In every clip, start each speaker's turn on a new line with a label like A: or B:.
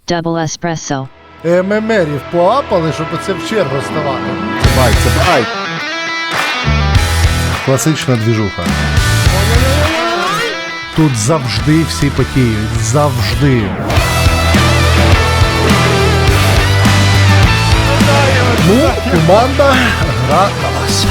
A: Double espresso.
B: ММРів поапали, щоб оце в чергу ставати. Бай, це бай. Класична двіжуха. Тут завжди всі потіють. Завжди. Ну, команда гра на вас.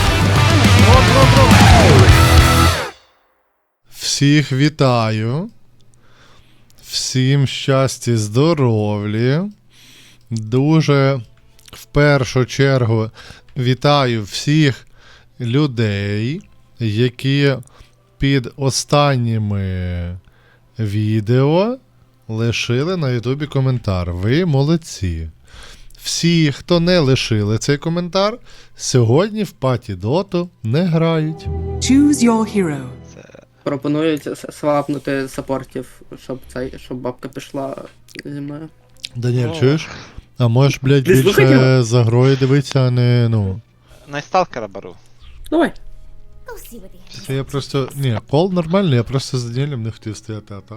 C: Всіх вітаю. Всім щастя, здоров'я. Дуже в першу чергу вітаю всіх людей, які під останніми відео лишили на Ютубі коментар. Ви молодці. Всі, хто не лишили цей коментар, сьогодні в паті доту не грають.
D: Choose your hero.
E: Пропонують свапнути саппортів, щоб бабка пішла зі мною.
C: Даніель, чуєш? А можеш, блядь,
E: Ти слухай
C: більше
E: його?
C: за грою дивитися, а не, ну...
F: Найсталкера беру.
E: Давай.
C: Це я просто... Ні, кол нормальний, я просто з Даніелем не хотів стояти, а так.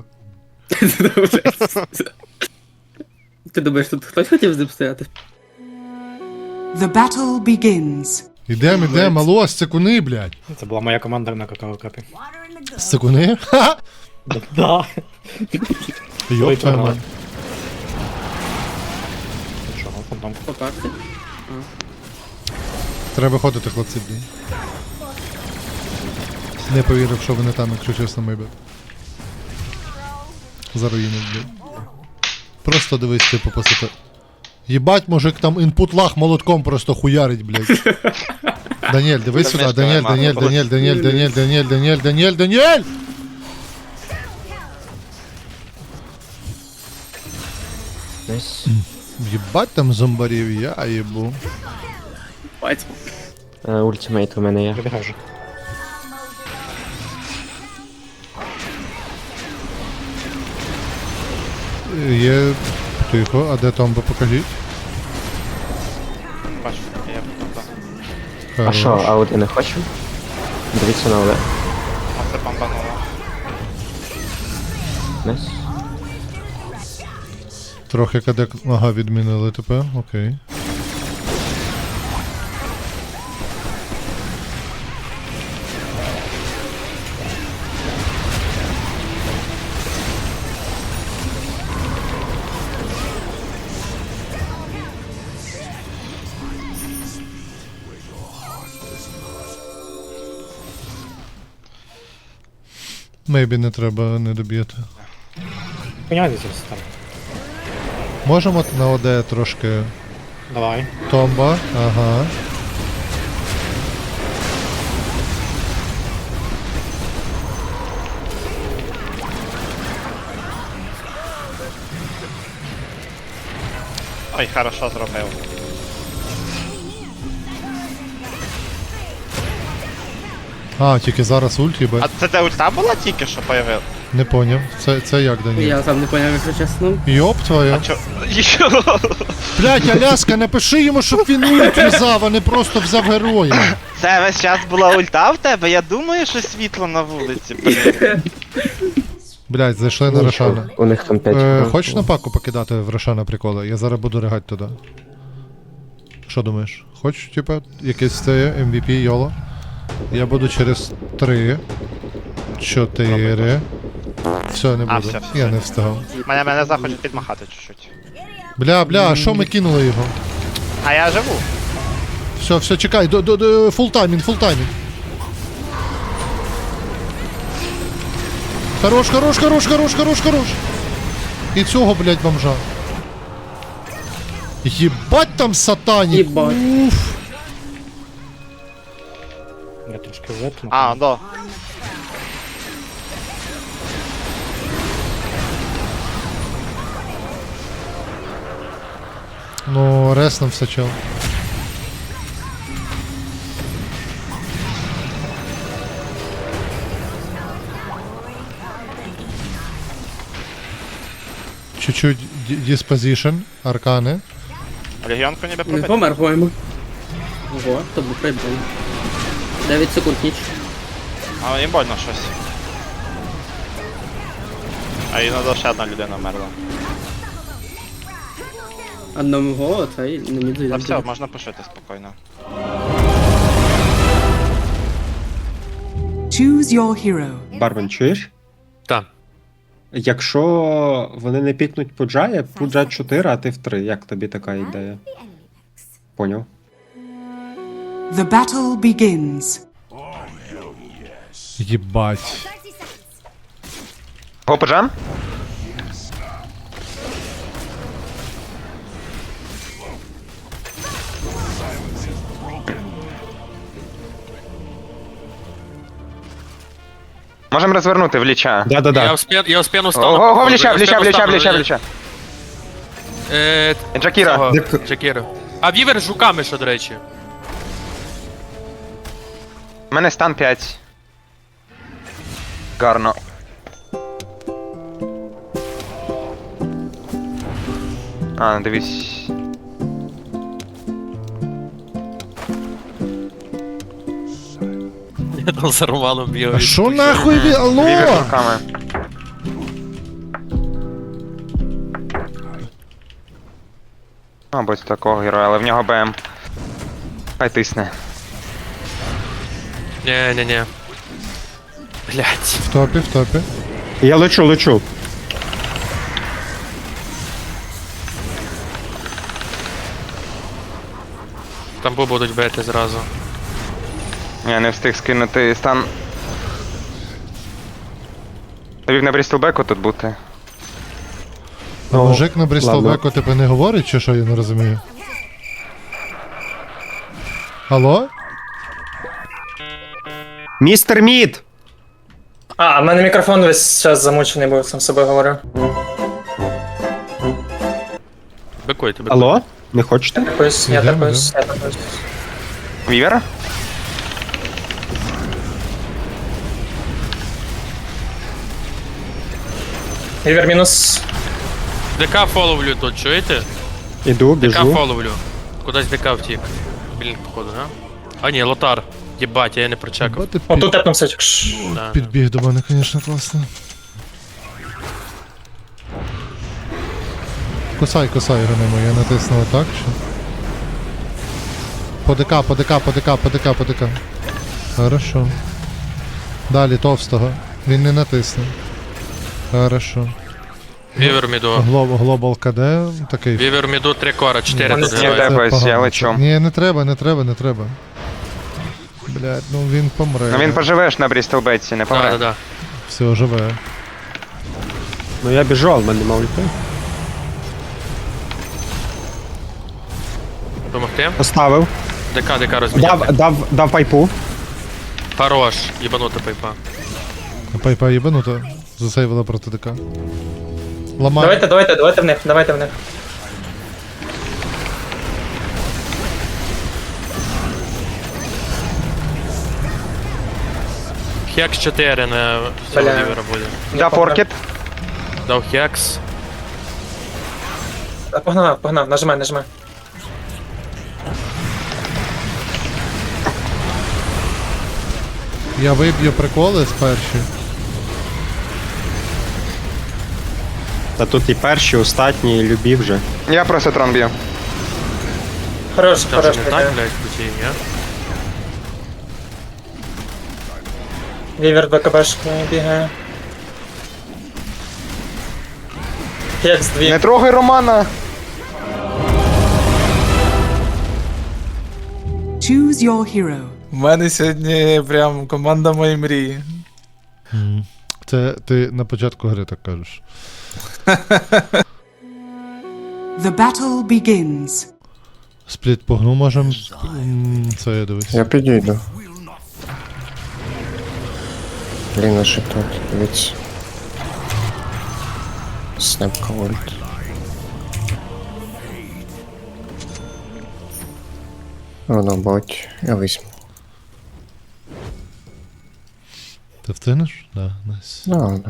E: Ти думаєш, тут хтось хотів з ним стояти?
D: The battle begins.
C: Ідем, алло, секуни, блядь.
G: Це була моя команда на какао-капі.
C: Секуни? Ха!
G: Да.
C: Йоп, твою мать.
G: Що, фантом?
E: По карті.
C: Треба виходити, хлопці, блін. Не повірив, що вони там, якщо чесно, мейбет. Заруїнив, блін. Просто дивись, типу, посити. Єбать, мужик там інпут лаг молотком просто хуярить, блядь. Даніель, дивись сюди, Даніель! Єбать там зомбарів, я їбу.
E: Бать.
H: Ультимейт у мене є.
G: Вибігай вже.
C: Є... Тихо, а де Томба, покажіть.
F: Бачу, я потом.
H: А
C: Хорош.
H: що, ауди не хочу? Дивіться на ауди.
F: А це бомбануло.
H: Найс.
C: Трохи кадек... Ага, відмінили тепер, окей. Мейбі не треба не доб'єти.
G: Поняття там.
C: Можемо на ОД трошки...
G: Давай.
C: Томба, ага.
F: Ой, хорошо зробив.
C: А, тільки зараз ульт, їбать.
F: А це де ульта була тільки що появив?
C: Не поняв. Це як, Даніель?
E: Я сам не поняв, якщо чесно.
C: Йоп твоя.
F: А чо? Йо!
C: Блять, Аляска, напиши йому, щоб він ульт в'язав, а не просто взяв героя.
F: Це весь час була ульта в тебе? Я думаю, що світло на вулиці, блін.
C: Блять, зайшли на Рошана.
H: У них там 5.
C: Хочеш на паку покидати в Рошана приколи? Я зараз буду ригати туди. Що думаєш? Хочеш, типа, якесь це MVP YOLO? Я буду через 3, 4. Все, не
F: А,
C: буду.
F: все.
C: Я не встигав.
F: Мене захочуть підмахати чуть-чуть.
C: Бля, а що ми кинули його?
F: А я живу.
C: Все, чекай, фул таймінг. Хорош. І цього, блядь, бомжа. Єбать там сатанік.
E: Єбать.
C: Уф.
G: Я трошки витну.
F: А, до.
C: Ну, реснув все чел. Чуть-чуть диспозишн, аркани.
F: Легіонку ніби
E: Не
F: пробити.
E: помер, по-моєму. Ого, то був прибив. 9 секунд ніч.
F: А їм больно щось. А іноді ще одна людина вмерла.
E: Одного, цей не міг
F: Та
E: зайти.
F: все, можна пошити спокійно.
D: Choose your hero.
A: Бармен, чуєш?
I: Так.
A: Якщо вони не пікнуть Пуджа, Пуджа 4, а ти в 3. Як тобі така ідея? Поняв.
D: The battle begins.
C: Єбать.
J: Го поджам? Можемо розвернути в ліча.
A: Да-да-да.
I: Я успіну стану.
J: Ого, в ліча. Джакіра.
I: Джакіра. А вівер з жуками ще, до речі.
J: У мене стан 5. Гарно. А, дивись.
I: Я там за Романом бігаю.
C: А що нахуй ви? Алло?
J: Вівер з руками. Мабуть, такого героя, але в нього БМ. Хай тисне.
I: Ні. Блять.
C: В топі, в топі.
A: Я лечу.
I: Там будуть бити зразу.
J: Я не встиг скинути стан. Тобі на Брістелбеку тут бути.
C: А мужик на
A: ладно.
C: Брістолбеку тебе не говорить, чи що, я не розумію? Алло?
A: Містер Мід!
G: А, в мене мікрофон весь час замучений був, сам з собою говорю.
I: Бикуйте.
A: Алло? Не хочете?
G: Такось, я
C: Ідемо,
G: такось.
J: Вівер?
G: Рівер мінус.
I: ДК фоловлю тут, чуєте?
A: Іду,
I: ДК
A: біжу.
I: фоловлю. Кудись ДК втік. Блін, походу, а? А ні, лотар. Єбать, я не прочекав.
C: Бати
G: О, тут тепнувся.
I: Да.
C: підбіг до мене, звісно, класно. Кусай його я натиснув так, чи? По ДК. Хорошо. Далі товстого. Він не натисне. Хорошо.
I: Вівер міду.
C: Глобал КД такий.
I: Вівер міду 3 кора, 4 тут
J: Ні,
I: герої.
J: де? Ось, я
C: погано.
J: лечу.
C: Ні, не треба. Блядь, ну він помре.
J: Ну він поживеш на Брістелбеці, не помре.
I: Да.
C: Все, живе.
A: Ну я біжу, але в мене нема ульти.
I: Помогти?
A: Поставив.
I: ДК розміняти.
A: Дав пайпу.
I: Хорош, їбанута пайпа.
C: Пайпа єбанута. Засейвила проти ДК. Ламай.
G: Давайте в них.
I: Хекс 4 на цього
G: Бля.
I: вівера буде.
J: Да, Форкет.
I: Дав хекс.
G: Погнав, нажимай.
C: Я виб'ю приколи з перші.
A: Та тут і перші, останні, і любі вже.
J: Я просто трон б'ю.
G: Хорош,
I: Це вже не так, блядь, путі, ні?
G: Вівер БКБшки бігає. Хекс 2.
J: Не трогай Романа.
D: Choose your hero.
K: У мене сьогодні прям команда моєї мрії.
C: Це ти на початку гри так кажеш.
D: The battle begins.
C: Спліт погну можем. Це я дивись.
H: Я підійду. Блін, а що тут? Дивіться. Снепка ульт. Воно бать, я візьму.
C: Ти встигнеш? Да, найс.
H: Да.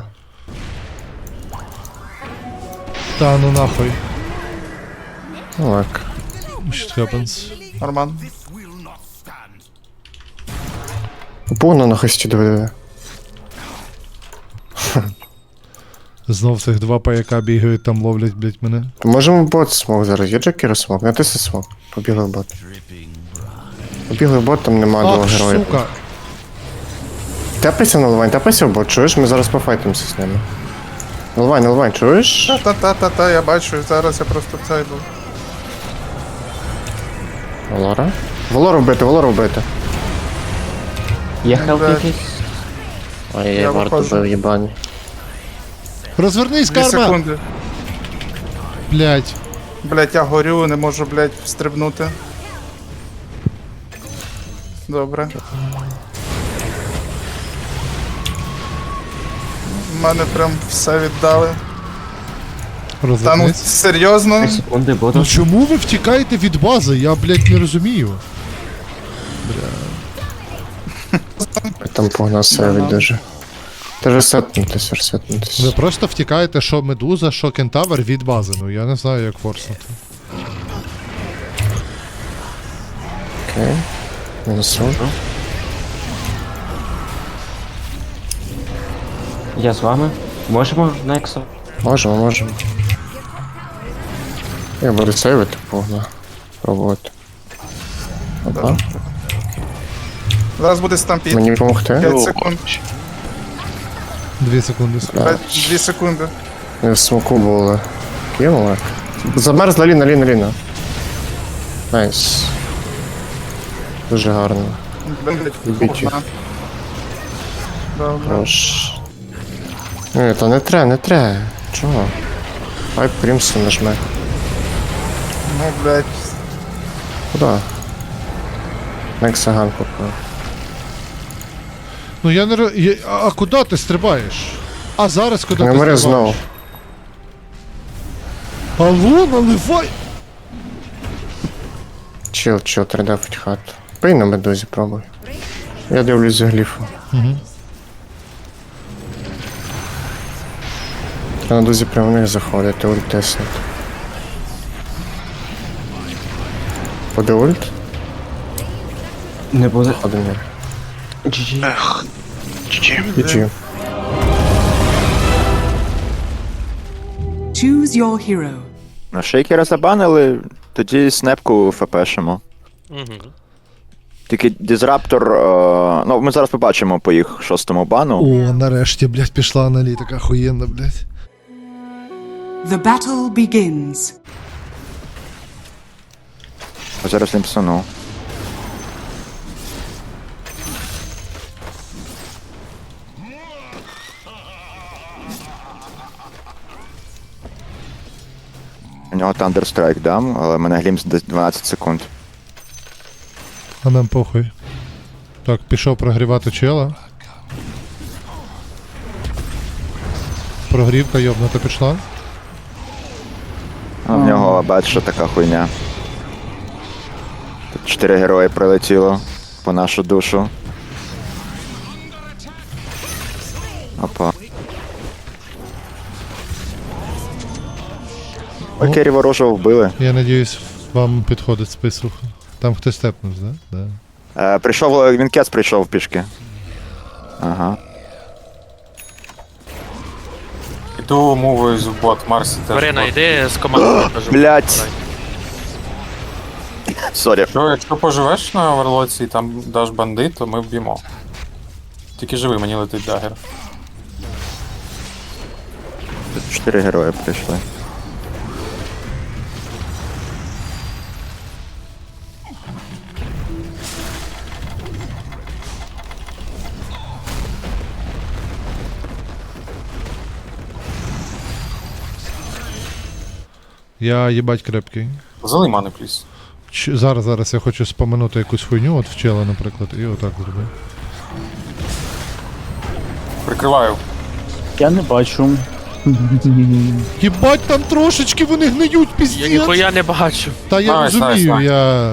C: Та ну нахуй.
H: Ну так.
C: Shit happens.
K: Норман.
H: Повно на хості диви.
C: Знов цих два паяка бігають там, ловлять, блять, мене.
H: Можемо в бот смог зараз. Є Джекера смог? Натисни смог. Побігли в бот. Побігли в бот, там нема двох
C: Ах,
H: героїв.
C: сука!
H: Тепайся на Лвань, тепайся в бот, чуєш? Ми зараз пофайтимося з ними. Лвань, чуєш?
K: Та-та-та-та, я бачу, зараз я просто в цей був.
H: Валора? Валору вбити.
K: Є хелп якийсь?
H: Ой,
K: Я
H: я варту
K: виходжу.
H: бив, їбаний.
C: Розвернись,
K: 2
C: карма!
K: секунди.
C: Блять.
K: Блять, я горю, не можу, блять, стрибнути. Добре. В мене прям все віддали. Та ну
C: Розвернись.
K: серйозно?
C: Ну чому ви втікаєте від бази? Я, блять, не розумію.
H: Там погнав себе дуже. Ти ресетнутися.
C: Ви просто втікаєте, що медуза, що кентавр від бази. Ну я не знаю, як форснути.
H: Окей. Мінусу.
E: Я з вами. Можемо, Нексо?
H: Можемо. Я буду сейвити, погнав. Пробувати. Опа.
K: Зараз буде стампід.
H: Мені допомогти?
K: 5 секунд.
C: 2 секунди.
K: 2 секунди.
H: Ми в смоку були. Кинули. Замерзла Ліна. Найс. Дуже гарно.
K: Блять,
H: Любіть їх.
K: одна. Добре.
H: Хорош. Ні, та не треба. Чого? Хай Крімсон нажме.
K: Ну, блять.
H: Куда? Нексаган попав.
C: Ну я не А куди ти стрибаєш? А зараз куди
H: Не
C: ти
H: мери
C: стрибаєш?
H: знову.
C: Алло, наливай!
H: Чил, тридавить хату. Пий на медузі, пробуй. Я дивлюсь за гліфу.
C: Угу.
H: На медузі прямо в них заходити, ульт теснути. Буде ульт?
E: Не буде.
H: Один є.
E: GG.
H: GG.
D: Choose your hero.
J: Шейкера забанили, тоді снепку фпшимо.
I: Угу.
J: Тільки дізраптор. Ну, ми зараз побачимо по їх 6-му бану.
C: О, нарешті, блядь, пішла аналітика охуєнна, блядь.
D: The battle begins.
J: Зараз лімпсону. У нього Thunderstrike дам, але в мене глімс десь 12 секунд.
C: А нам похуй. Так, пішов прогрівати чела. Прогрівка йобнута пішла.
J: А в нього бачиш, така хуйня. Тут 4 герої прилетіло по нашу душу. Опа. Окей, ворожого вбили.
C: Я надіюсь, вам підходить список. Там хтось степнув, да? Да.
J: Прийшов, Вінкец прийшов пішки. Ага.
K: Іду мовою в бот, Марсі теж.
I: Марина, йди з командою. кажу.
J: Блять. Сорі.
K: Якщо поживеш на Оверлоці і там даш бандит, то ми вб'ємо. Тільки живи, мені летить дагер.
J: Тут 4 герої прийшли.
C: Я їбать крепкий.
K: Залий мани, пліс.
C: Зараз я хочу споминути якусь хуйню, от вчила, наприклад, і отак зроби.
K: Прикриваю.
E: Я не бачу.
C: Їбать, там трошечки вони гниють,
I: Я
C: піздець!
I: ніхуя не бачу.
C: Та я
K: Найс,
C: розумію,
K: найс.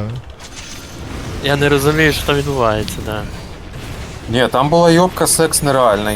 I: Я не розумію, що там відбувається, да.
K: Ні, там була йобка, секс нереальний.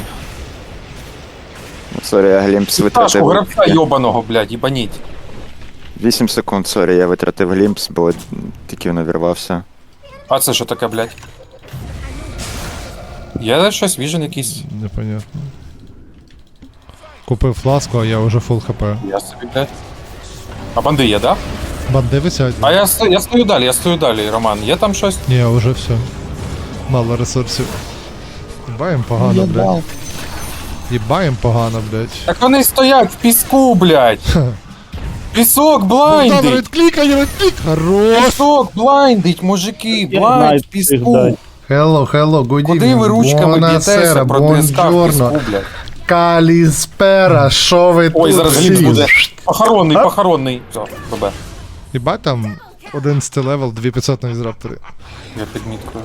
J: Сорі, я глімпс
K: Пташку,
J: витратив.
K: гравця йобаного, блядь, їбаніть.
J: 8 секунд, сорі, я витратив глімпс, бо тільки він увірвався.
K: А це що таке, блядь? Є щось, віжен якийсь?
C: Непонятно. Купив фласку, а я вже фул хп.
K: Я собі, блядь. А банди є, да?
C: Банди висять.
K: А я стою далі, Роман. Є там щось?
C: Ні, вже все. Мало ресурсів. Їбаєм погано, блядь. Їбаєм погано, блядь.
K: Так вони стоять в піску, блядь. Пісок блайндить.
C: Відклікай! Хорош!
K: Пісок блайндить, мужики, блайнд в піску.
B: Hello, good
K: Куди ви ручками б'єтеся про ДСК в піску, блядь?
B: Каліспера, що ви
K: Ой,
B: тут
K: зараз
B: всі?
K: гліб буде. Похоронний. Все, ББ.
C: Їбать там 11 левел, 2500 на візраптори.
K: Я підміткую.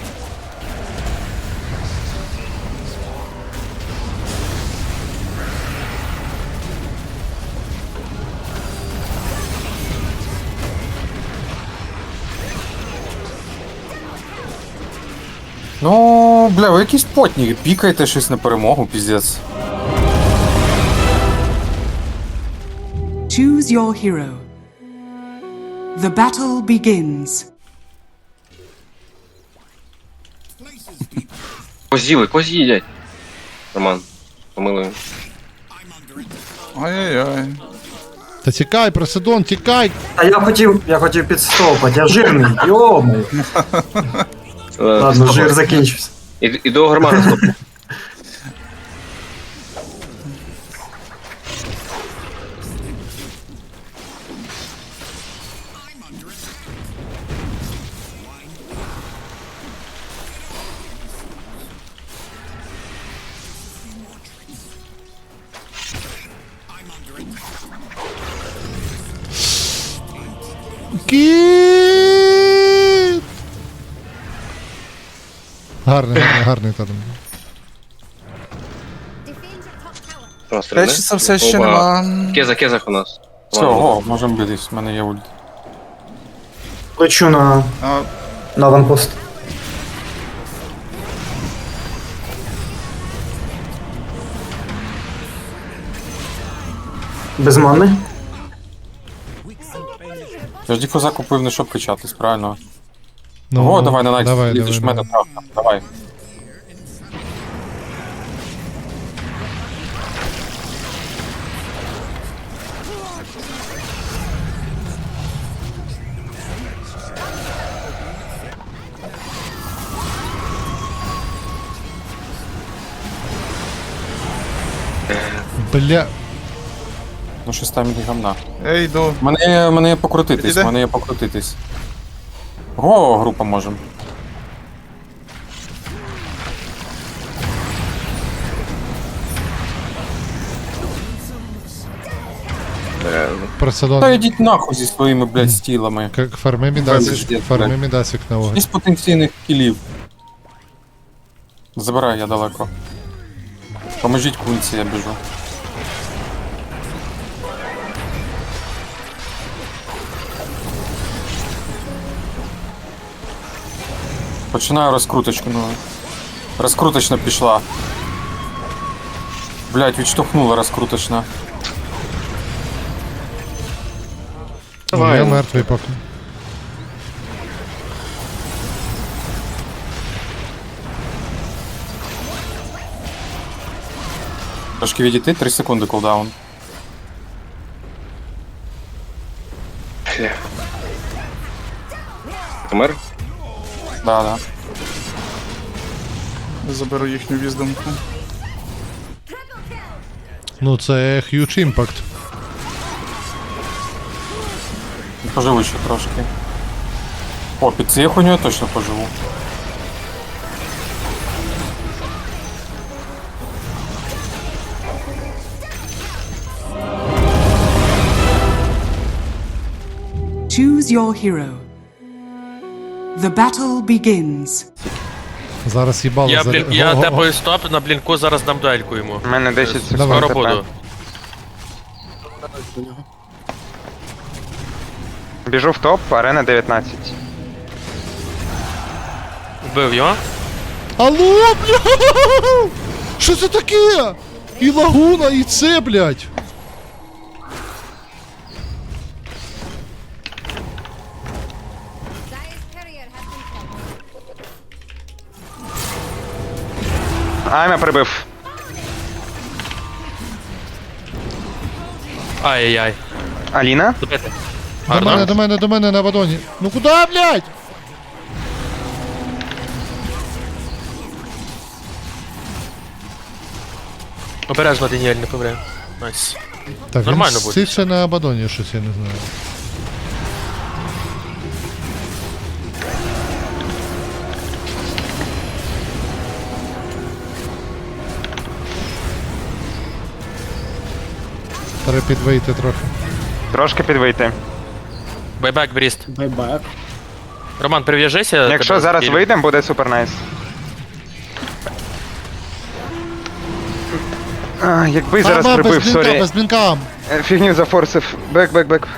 K: Ну, бля, ви якісь потні, пікайте щось на перемогу, піздець.
D: Choose your hero. The battle begins.
I: Козі їдять. Роман, помилуємо.
K: Ой-ой-ой.
C: Та тікай, Проседон, тікай!
G: А я хотів підстопати, я жирний, йомай. Ладно, жир закінчився.
I: Іду Гармана стоп.
C: Кіт! Гарний тадом.
K: Речі, це все ще нема.
I: Кезах у нас.
K: Все, го, можемо битись, в мене є ульт.
G: Лечу на аванпост. Без мани?
K: Я ж діфуза купив не щоб качатись, правильно?
C: Ну,
K: О, давай на найт,
C: давай,
K: лізеш в мене,
C: давай.
K: давай.
C: Бля.
K: Ну щось там іде гамна. Я йду. Мене є покрутитись, Го, група можем.
C: Проседон.
K: Та йдіть нахуй зі своїми, блядь, стілами.
C: Как фарми мідасик на вогонь.
K: Із потенційних кілів. Забирай, я далеко. Поможіть кунці, я біжу. Починаю розкруточку, ну. Розкруточна пішла. Блять, відштовхнула розкруточна.
C: Я мертвий поки.
K: Трошки відійти, 3 секунди кулдаун.
I: Помер?
K: Да.
H: Заберу їхню віздомку.
C: Ну це huge impact.
K: Поживу ще трошки. О, під цією хуйню я точно поживу.
D: Choose your hero. The battle begins.
C: Зараз їбало
I: Я тепаю стоп, на блінку зараз дам дуельку йому.
F: У мене 10 секунд.
I: Скоро буду.
F: Біжу в топ, арена 19.
I: Вбив його.
C: Алло, бля! Що це таке? І лагуна, і це, блядь!
F: Айма прибив.
I: Ай-яй-яй.
F: Аліна?
I: Добити.
C: До мене на Абадоні. Ну куди, блядь?
I: Обережно, Даніель, не помре. Найс.
C: Так,
I: Нормально
C: він
I: буде.
C: ще на Абадоні щось, я не знаю. Треба підвийти трохи.
F: Трошки підвийти.
I: Байбек, Бріст.
E: Байбек.
I: Роман, прив'яжися.
F: Якщо
I: тебе
F: зараз
I: скілю.
F: вийдемо, буде супер найс. Якби зараз прибив, сорі.
C: Без блінка.
F: Фігню зафорсив. Бек.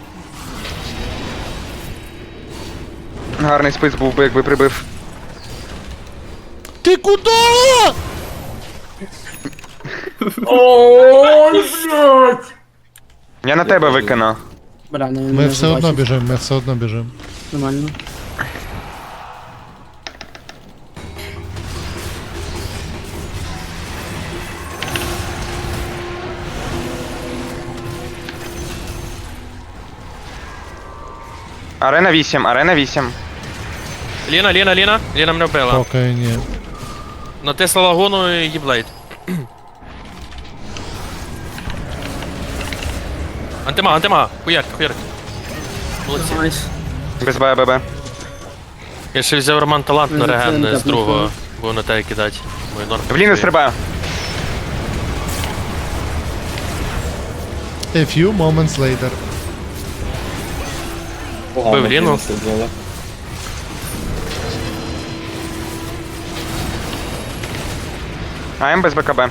F: Гарний спис був би, якби прибив.
C: Ти куди?
F: Я на тебе викину.
E: Бля, не
C: Ми все одно біжимо,
E: Нормально.
F: Арена 8.
I: Ліна мене вбила.
C: Поки ні.
I: Натисла лагуну і їблейд. Антима. Хуярк. Молодці.
E: Найс.
F: Без ББ.
I: Я ще взяв Роман талант на
E: Ну,
I: реген
E: це
I: з другого, бо на тебе кидати. Мой норм.
F: В ліну стрибаю.
C: A few moments later.
I: Бив Ліну.
F: АМ без БКБ.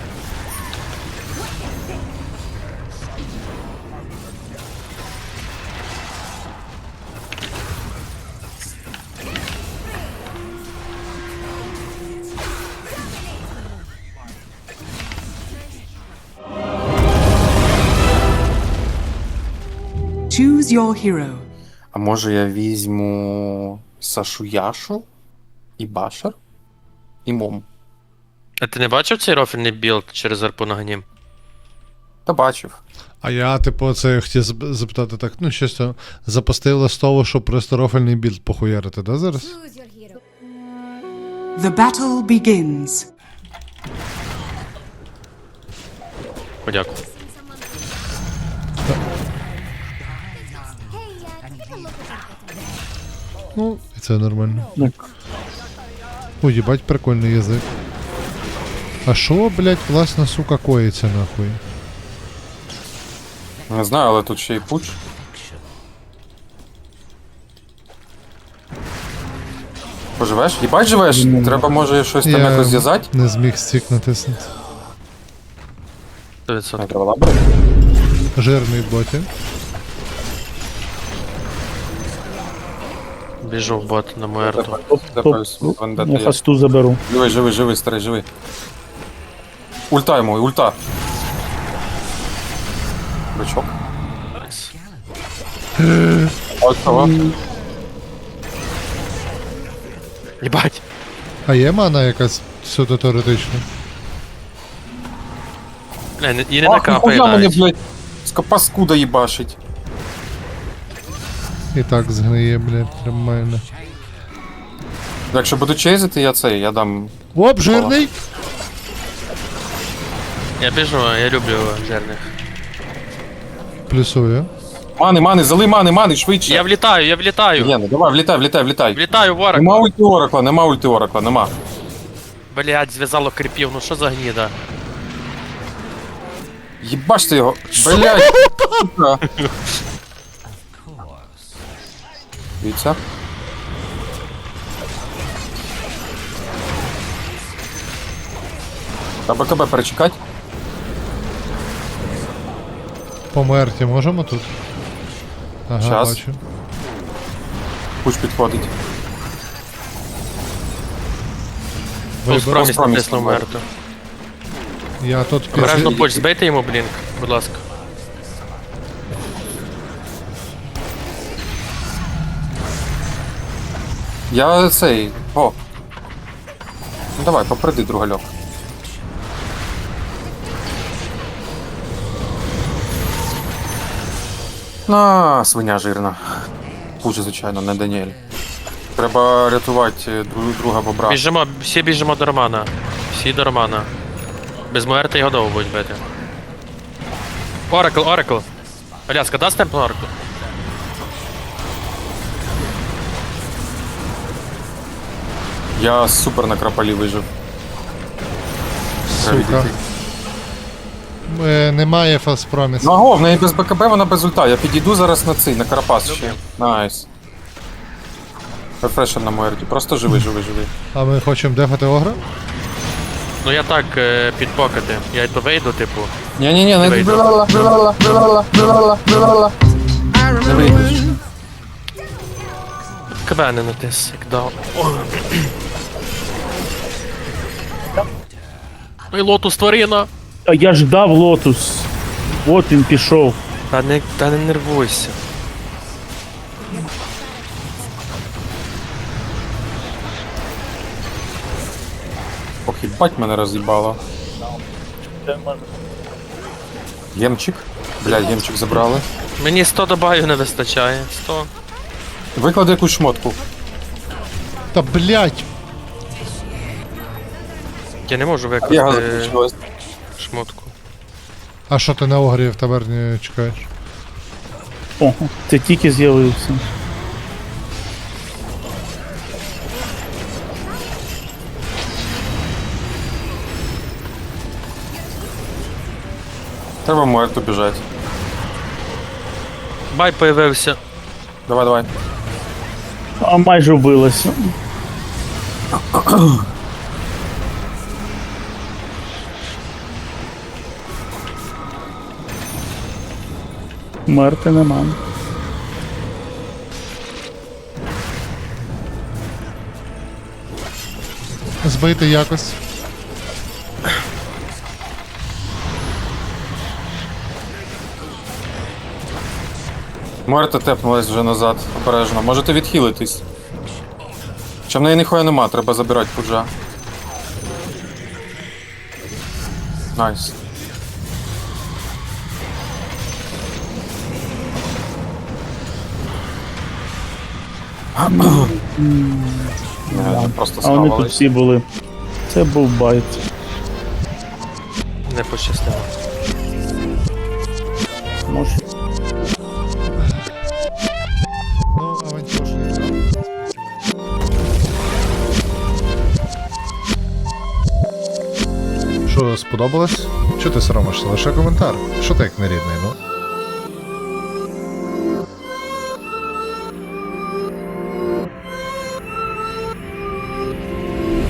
D: Choose your hero.
K: А може я візьму Сашу Яшу і Башер? І Мом.
I: А ти не бачив цей рофільний білд через арпу на ганім?
K: Та бачив.
C: А я, типу, це хотів запитати так, ну щось там, запустив листову, щоб просто рофельний білд похуярити, да, зараз?
D: The battle begins.
I: Подякую.
C: Ну, і це нормально. Ой, їбать, прикольний язик. А шо, блять, власне, сука, коїться нахуй?
K: Не знаю, але тут ще й пуч. Поживеш? Їбать живеш? Треба може щось там якось зв'язати?
C: Не зміг стік натиснути.
I: 100%.
K: Треба лабрати.
C: Жирний в боті.
I: Біжу в бот на Муерту.
K: Я хасту заберу. Живий, старий, живий. Ульта йому, ульта. Бичок. Ось того.
I: Єбать.
C: А є мана якась суто теоретично?
I: Бля, і не
K: Ах,
I: накапає
K: нахуя мене,
I: навіть.
K: блядь, паскуда їбашить.
C: І так згниє, блядь, нормально.
K: Якщо буду чейзити, я дам...
C: Оп, жирний!
I: Я біжу, я люблю жирних.
C: Плюсує.
K: Мани, зали мани, швидше.
I: Я влітаю.
K: Ні, ну давай, влітай.
I: Влітаю в ворог.
K: Нема ульти оракла.
I: Блять, зв'язало кріпів, ну що за гніда?
K: Єбаште його, блядь. сука. Дивіться. Та БКБ перечекать.
C: Померти можемо тут? Ага,
K: Щас.
C: бачу.
K: Пуч підходить.
I: Проміс
K: Проміс
I: натиснув
K: набрав.
I: Муерту.
C: Я тут
I: Обережно поч, збийте йому блінк, будь ласка.
K: Я цей... О. Ну давай, поприди другальок. Точно свиня жирна. Хуже, звичайно, не Даніель. Треба рятувати друга бобра.
I: Біжимо, всі біжимо до Романа. Всі до Романа. Без Муерти його довго будуть бити. Оракл. Аляска, дасть темп на Оракл?
K: Я супер на крапалі вижив.
C: Сука. Немає фалспроміс.
K: Ну аго, в неї без БКБ, вона без ульта. Я підійду зараз на цей, на Карапас ще. Найс. Рефрешер на Муерті. Просто живи.
C: А ми хочемо дефати Огра?
I: Ну я так, підпокати. Я йду вийду, типу.
K: Ні, не
I: вийду.
K: Не вийдеш.
I: КБ не натис, як дав. Ну і лотус тварина.
L: А я ждав лотус. От він пішов.
I: Та не нервуйся.
K: Ох, їбать мене роз'їбало. Гемчик. Блядь, гемчик забрали.
I: Мені 100 добавів не вистачає. 100.
K: Виклади якусь шмотку.
C: Та блять!
I: Я не можу
K: Я
I: викласти
K: закінчилась.
I: шмотку.
C: А що ти на Огрі в таверні чекаєш?
L: О, це тільки з'явився.
K: Треба Муерту біжати.
I: Бай появився.
K: Давай.
L: А майже вбилося. Мерти нема.
C: Збити якось.
K: Муерта тепнулась вже назад, обережно. Можете відхилитись. Чи в неї ніхуя нема, треба забирати пуджа. Найс. Не, просто
L: А вони тут
K: схавались.
L: всі були. Це був байт.
I: Не пощастило.
L: Може.
C: Ну, авантюшний. Що, сподобалось? Чого ти соромишся? Лише коментар. Що ти як нерідний, ну?